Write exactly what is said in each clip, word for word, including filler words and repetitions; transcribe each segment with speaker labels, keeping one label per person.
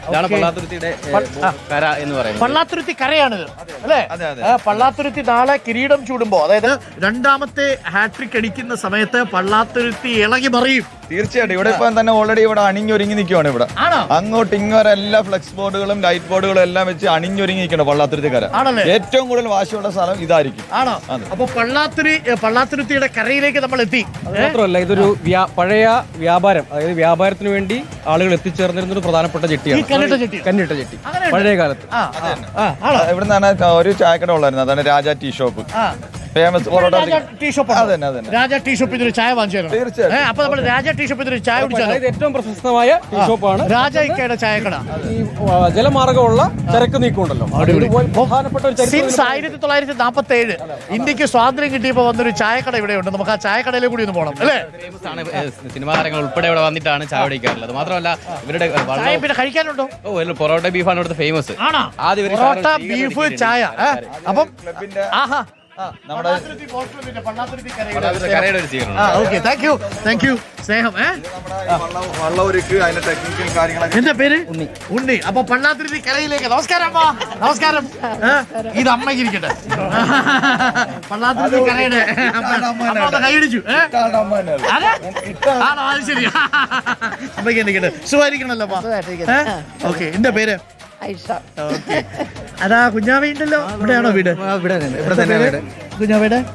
Speaker 1: ഇതാണ് പള്ളാത്തുരുത്തിയുടെ കര എന്ന് പറയുന്നത്.
Speaker 2: പള്ളാത്തുരുത്തി കരയാണിത് അല്ലേ? പള്ളാത്തുരുത്തി നാളെ കിരീടം ചൂടുമ്പോ, അതായത് രണ്ടാമത്തെ ഹാട്രിക് അടിക്കുന്ന സമയത്ത് പള്ളാത്തുരുത്തി ഇളകി മറിയും.
Speaker 3: തീർച്ചയായിട്ടും ഇവിടെ ഇപ്പൊ തന്നെ ഓൾറെഡി ഇവിടെ അണിഞ്ഞൊരുങ്ങി നിൽക്കുവാണ്. ഇവിടെ അങ്ങോട്ട് ഇങ്ങോട്ട് എല്ലാ ഫ്ലെക്സ് ബോർഡുകളും ലൈറ്റ് ബോർഡുകളും എല്ലാം വെച്ച് അണിഞ്ഞൊരുങ്ങി നിൽക്കണം പള്ളാത്തുരുത്തിക്കര. ഏറ്റവും കൂടുതൽ വാശിയുള്ള സ്ഥലം ഇതായിരിക്കും.
Speaker 2: ആണോ? അപ്പൊ പള്ളാത്തുരി പള്ളാത്തുരുത്തിയുടെ കരയിലേക്ക് നമ്മൾ എത്തി.
Speaker 4: മാത്രമല്ല ഇതൊരു പഴയ വ്യാപാരം, അതായത് വ്യാപാരത്തിന് വേണ്ടി ആളുകൾ എത്തിച്ചേർന്നിരുന്ന ഒരു പ്രധാനപ്പെട്ട ജെട്ടിയാണ് കന്നിട്ട ജെട്ടി. പഴയ കാലത്ത്
Speaker 3: ഇവിടെ നിന്നാണ് ഒരു ചായക്കട ഉള്ളായിരുന്നു, അതാണ് Raja tea shop. Famous
Speaker 2: tea shop. Raja tea ഷോപ്പിൽ ഒരു ചായ വാങ്ങിച്ചു.
Speaker 3: തീർച്ചയായും.
Speaker 2: അപ്പൊ നമ്മൾ രാജ ടീ ഷോപ്പിൽ ഒരു ചായ കുടിച്ചാൽ
Speaker 4: ഏറ്റവും പ്രശസ്തമായ ടീ ഷോപ്പാണ്
Speaker 2: രാജ ഇക്കയുടെ ചായക്കട.
Speaker 4: ഈ ജലമാർഗമുള്ള ചരക്ക് നീക്കമുണ്ടല്ലോ, പ്രധാനപ്പെട്ട ഒരു
Speaker 2: സിൻസ് ആയിരത്തി തൊള്ളായിരത്തി നാൽപ്പത്തി ഏഴ് ഇന്ത്യക്ക് സ്വാതന്ത്ര്യം കിട്ടിയപ്പോ വന്നൊരു ചായക്കട ഇവിടെ ഉണ്ട്. നമുക്ക് ആ ചായക്കടയിലെ കൂടി ഒന്ന് പോകണം അല്ലേ?
Speaker 1: സിനിമാ താരങ്ങൾ ഉൾപ്പെടെ ഇവിടെ വന്നിട്ടാണ് ചായ കുടിക്കാറുള്ളത്. മാത്രമല്ല ഇവരുടെ
Speaker 2: പിന്നെ കഴിക്കാനുണ്ടോ?
Speaker 1: ഓ പൊറോട്ട ബീഫാണ് ഇവിടുത്തെ ഫേമസ്.
Speaker 2: പൊറോട്ട ബീഫ് ചായ. അപ്പം ആഹാ സ്നേഹം. എന്റെ പേര് ഉണ്ണി. ഉണ്ണി. അപ്പൊ പള്ളാത്തുരുത്തി കരയിലേക്ക് നമസ്കാരം. അമ്മ നമസ്കാരം. ഇത് അമ്മയ്ക്ക് ഇരിക്കട്ടെ. പള്ളാത്തുരുത്തി കരയുടെ കൈയടിച്ചു. ആണോ? അത് ശരി. അമ്മയ്ക്ക് ഇരിക്കട്ടെ. സുഖമായിരിക്കണല്ലോ. ഓക്കെ. എന്റെ പേര് അതാ കുഞ്ഞാവ ഉണ്ടല്ലോ. ഇവിടെയാണോ വീട്? കുഞ്ഞാവയുടെ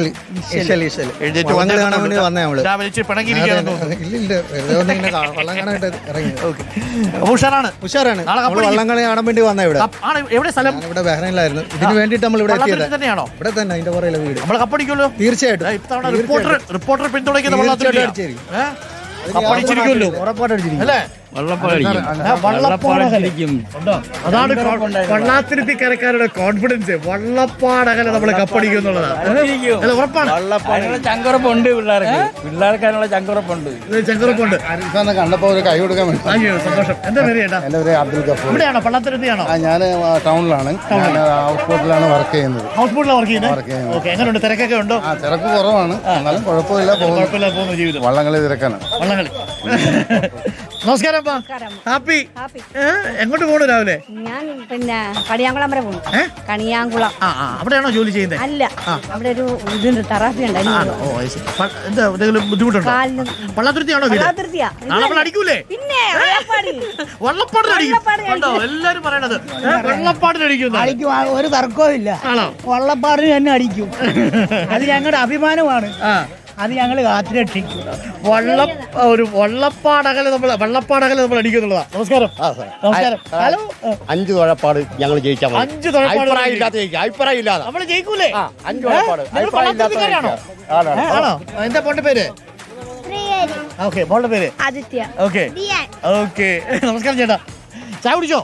Speaker 2: ഉഷാറാണ്. ഉഷാറാണ്.
Speaker 5: വള്ളം കളി കാണാൻ വേണ്ടി വന്ന ഇവിടെ.
Speaker 2: എവിടെ സ്ഥലം?
Speaker 5: ഇവിടെ ബഹ്റൈനിലായിരുന്നു. ഇതിന് വേണ്ടിട്ട് നമ്മൾ ഇവിടെ എത്തിയത്
Speaker 2: തന്നെയാണോ?
Speaker 5: ഇവിടെ തന്നെ അതിന്റെ പുറകിലെ വീട്.
Speaker 2: നമ്മൾ കപ്പടിക്കുമല്ലോ.
Speaker 5: തീർച്ചയായിട്ടും.
Speaker 2: റിപ്പോർട്ടർ റിപ്പോർട്ടർ പിന്തുണയ്ക്കുന്ന കപ്പടിച്ചിരിക്കുമല്ലോ. ഉറപ്പായിട്ടടിച്ചിരിക്കും അല്ലേ? അതാണ് പള്ളാത്തുരുത്തി കരക്കാരുടെ കോൺഫിഡൻസ്. വള്ളപ്പാടകല നമ്മള് കപ്പടിക്കും എന്നുള്ളതാണ്. ഉറപ്പാണ്.
Speaker 4: ചങ്കുറപ്പുണ്ട് പിള്ളേർക്ക്. പിള്ളേർക്ക് അതിനുള്ള ചങ്കുറപ്പുണ്ട്.
Speaker 2: ചങ്കുറപ്പുണ്ട്.
Speaker 5: കണ്ടപ്പോ ഒരു കൈ കൊടുക്കാൻ വേണ്ടി.
Speaker 2: അയ്യോ സന്തോഷം. എന്താ പേര് ചേട്ടാ?
Speaker 5: എന്റെ പേര് അബ്ദുൽ ഗഫൂർ.
Speaker 2: ഇവിടെയാണോ? പള്ളാത്തുരുത്തിയാണോ?
Speaker 5: ഞാൻ ടൗണിലാണ്. ഹൗസ് ബോട്ടിലാണ് വർക്ക് ചെയ്യുന്നത്.
Speaker 2: ഹൗസ് ബോട്ടിലാണ് വർക്ക് ചെയ്യുന്നത്. ഓക്കെ. എങ്ങനെയുണ്ട്? തിരക്കൊക്കെ ഉണ്ടോ?
Speaker 5: ആ തിരക്ക് കുറവാണ്, എന്നാലും കുഴപ്പമില്ല.
Speaker 2: കുഴപ്പമില്ല പോകുന്ന ജീവിതം.
Speaker 5: വള്ളംകളി തിരക്കാണ്.
Speaker 2: വള്ളംകളി. നമസ്കാരം. ഹാപ്പി. എങ്ങോട്ട് പോണു രാവിലെ?
Speaker 6: ഞാൻ പിന്നെ കണിയാങ്കുളം വരെ പോകുന്നു. കണിയാങ്കുളം.
Speaker 2: അവിടെയാണോ ജോലി ചെയ്യുന്നത്?
Speaker 6: അല്ല, അവിടെ ഒരു ഇതുണ്ട്, തെറാപ്പി ഉണ്ട്.
Speaker 2: എന്താ എന്തെങ്കിലും ബുദ്ധിമുട്ടുണ്ടോ? പള്ളാത്തുരുത്തിയാണോ? നാളെ അടിക്കൂലേ?
Speaker 6: പിന്നെ
Speaker 2: വള്ളപ്പാടിനടിക്കും. എല്ലാരും പറയണത് വള്ളപ്പാടിനടിക്കും.
Speaker 7: അടിക്കും, ഒരു തർക്കവും ഇല്ല. വള്ളപ്പാടിന് തന്നെ അടിക്കും. അത് ഞങ്ങളുടെ അഭിമാനമാണ്. അത് ഞങ്ങൾ കാത്തുരക്ഷിക്കും.
Speaker 2: വള്ള ഒരു വള്ളപ്പാടകല നമ്മൾ വള്ളപ്പാടകല നമ്മൾ അടിക്കുന്നുള്ളതാ. നമസ്കാരം. നമസ്കാരം. ഹലോ.
Speaker 8: അഞ്ച് തുഴപ്പാട് ഞങ്ങൾ ജയിച്ചാൽ
Speaker 2: അഞ്ച് തുഴപ്പാട്
Speaker 8: അഭിപ്രായം ഇല്ലാതെ
Speaker 2: നമ്മൾ ജയിക്കൂലേ?
Speaker 8: അഞ്ച് തുഴപ്പാട്
Speaker 2: ആണോ? എന്താ മോന്റെ പേര്? ഓക്കെ. മോളുടെ പേര്
Speaker 6: ആദിത്യ.
Speaker 2: ഓക്കെ. ഓക്കെ. നമസ്കാരം ചേട്ടാ. ചായ കുടിച്ചോ?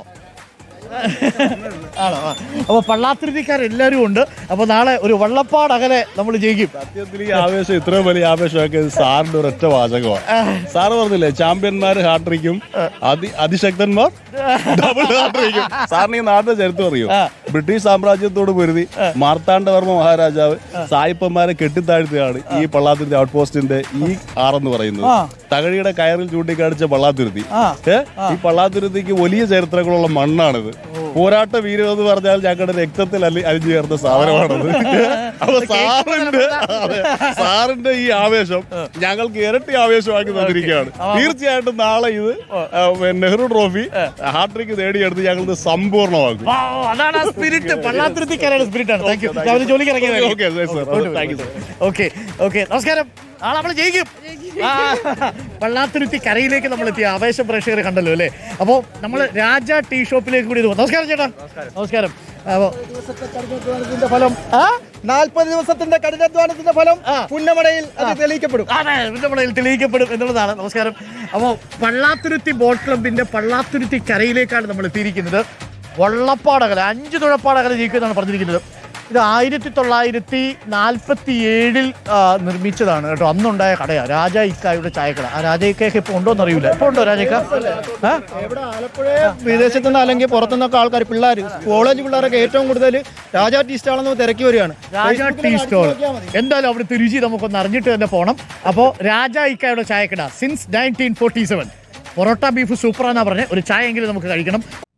Speaker 2: ആണോ? അപ്പൊ പള്ളാത്തുരുത്തിക്കാരെല്ലാരും ഉണ്ട്. അപ്പൊ നാളെ ഒരു വള്ളപ്പാടകലെ നമ്മൾ ജയിക്കും.
Speaker 9: സത്യത്തിൽ ഈ ആവേശം ഇത്രയും വലിയ ആവേശമൊക്കെ സാറിന്റെ ഒരൊറ്റ വാചകമാണ്. സാറ് പറഞ്ഞില്ലേ, ചാമ്പ്യന്മാർ ഹാട്രിക്കും അതി അതിശക്തന്മാർ ഡബിൾ ഹാട്രിക്കും. സാറിന് ഈ നാടിന്റെ ചരിത്രം അറിയോ? ബ്രിട്ടീഷ് സാമ്രാജ്യത്തോട് പൊരുതി മാർത്താണ്ഡവർമ്മ മഹാരാജാവ് സായിപ്പന്മാരെ കെട്ടിത്താഴ്ത്തുകയാണ് ഈ പള്ളാത്തുരുത്തി ഔട്ട് പോസ്റ്റിന്റെ ഈ ആറെന്ന് പറയുന്നത്. തകഴിയുടെ കയറിൽ ചൂണ്ടിക്കാണിച്ച പള്ളാത്തുരുത്തി. ഈ പള്ളാത്തുരുത്തിക്ക് വലിയ ചരിത്രങ്ങളുള്ള മണ്ണാണിത്. പോരാട്ട വീരം എന്ന് പറഞ്ഞാൽ ഞങ്ങളുടെ രക്തത്തിൽ അല്ലി അലിഞ്ഞു ചേർന്ന സാധനമാണത്. അപ്പൊ സാറിന്റെ സാറിന്റെ ഈ ആവേശം ഞങ്ങൾക്ക് ഇരട്ടി ആവേശമാക്കി തന്നിരിക്കുകയാണ്. തീർച്ചയായിട്ടും നാളെ ഇത് നെഹ്റു ട്രോഫി ഹാട്രിക്ക് നേടിയെടുത്ത് ഞങ്ങൾക്ക് സമ്പൂർണ്ണമാക്കും.
Speaker 2: അതാണ് സ്പിരിറ്റ്. പള്ളാത്തുരുത്തിക്കാരുടെ സ്പിരിറ്റ് ആണ്. Thank you. രാവിലെ ജോലിക്ക് ഇറങ്ങിയത്. ഓക്കെ. ഓക്കെ. നമസ്കാരം. ആ നമ്മൾ ജയിക്കും. പള്ളാത്തുരുത്തി കരയിലേക്ക് നമ്മൾ എത്തിയ ആവേശ പ്രേക്ഷകർ കണ്ടല്ലോ അല്ലേ? അപ്പോൾ നമ്മൾ രാജ ടീ ഷോപ്പിലേക്ക് കൂടി പോകും. നമസ്കാരം ചേട്ടാ. നമസ്കാരം. ഫലം
Speaker 5: നാൽപ്പത് ദിവസത്തിന്റെ കഠിനാധ്വാനത്തിന്റെ ഫലം പുന്നമടയിൽ തെളിയിക്കപ്പെടും.
Speaker 2: അതെ, പുന്നമടയിൽ തെളിയിക്കപ്പെടും എന്നുള്ളതാണ്. നമസ്കാരം. അപ്പോൾ പള്ളാത്തുരുത്തി ബോട്ട് ക്ലബിന്റെ പള്ളാത്തുരുത്തി കരയിലേക്കാണ് നമ്മൾ എത്തിയിരിക്കുന്നത്. വള്ളപ്പാടകല അഞ്ച് തുഴപ്പാടകല ജയിക്കുമെന്നാണ് പറഞ്ഞിരിക്കുന്നത്. ഇത് ആയിരത്തി തൊള്ളായിരത്തി നാൽപ്പത്തി ഏഴിൽ നിർമ്മിച്ചതാണ് കേട്ടോ. അന്നുണ്ടായ കടയാണ് രാജ ഇക്കായുടെ ചായക്കട. ആ രാജ ഇക്കയൊക്കെ ഇപ്പോൾ ഉണ്ടോന്ന് അറിയില്ല. ഇപ്പോൾ ഉണ്ടോ രാജക്ക?
Speaker 5: ഇവിടെ ആലപ്പുഴ വിദേശത്തുനിന്ന് അല്ലെങ്കിൽ പുറത്തുനിന്നൊക്കെ ആൾക്കാർ, പിള്ളേർ, കോളേജ് പിള്ളേരൊക്കെ ഏറ്റവും കൂടുതൽ രാജ ടീ സ്റ്റാളെന്ന് തിരക്കി വരികയാണ്.
Speaker 2: Raja tea stall. എന്തായാലും അവിടുത്തെ രുചി നമുക്കൊന്ന് അറിഞ്ഞിട്ട് തന്നെ പോകണം. അപ്പോൾ രാജ ഇക്കായുടെ ചായക്കട since nineteen forty seven parotta beef സൂപ്പറാന്നാ പറഞ്ഞത്. ഒരു ചായ എങ്കിലും നമുക്ക് കഴിക്കണം.